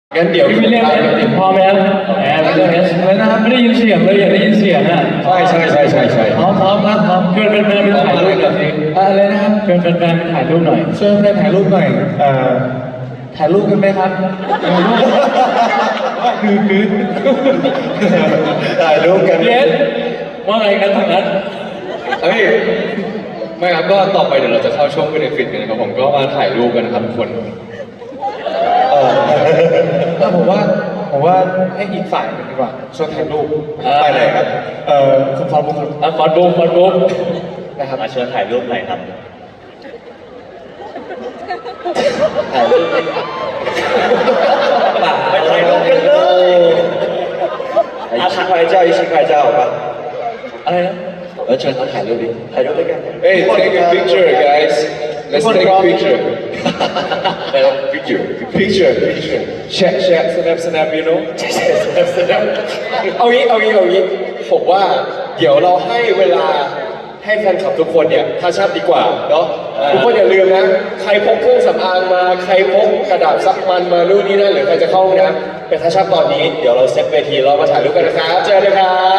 งั้นเดี๋ยวพี่เรียกพอไหมครับไม่เรียกอะไรนะครับไม่ได้ยินเสียงเลยอยากได้ยินเสียงอ่ะใช่พร้อมครับเชิญแฟนๆไปถ่ายรูปหน่อยอะไรนะครับเชิญแฟนๆไปถ่ายรูปหน่อยเชิญแฟนถ่ายรูปหน่อยถ่ายรูปกันไหมครับถ่ายรูปกันเยสว่าไงกันทางนั้นเฮ้ยไม่ครับก็ต่อไปเดี๋ยวเราจะเข้าช่วงเบเนฟิตกันนะครับผมก็มาถ่ายรูปกันนะครับทุกคนแล้วผมว่าให้อีกฝ่ายหนึ่งดีกว่าชวนถ่ายรูปไปไหนครับคุณฟอร์มครับฟอร์มนะครับมาเชิญถ่ายรูปหน่อยครับถ่ายรูปไปถ่ายรูปกันเลย一起拍照一起拍照吧อะไรนะเชิญเขาถ่ายรูปดิถ่ายรูปด้วยกัน Hey take a picture guys let's take a picture picture snap you know เอางี้ผมว่าเดี๋ยวเราให้เวลาให้แฟนคลับทุกคนเนี่ยทัชอัพดีกว่าเนาะทุกคนอย่าลืมนะใครพกเครื่องสำอางมาใครพกกระดาษซักมันมานู่นนี่นั่นหรือใครจะเข้าห้องน้ำไปทัชอัพตอนนี้เดี๋ยวเราเซตเวทีเรามาถ่ายรูปกันนะครับเจอกันครับ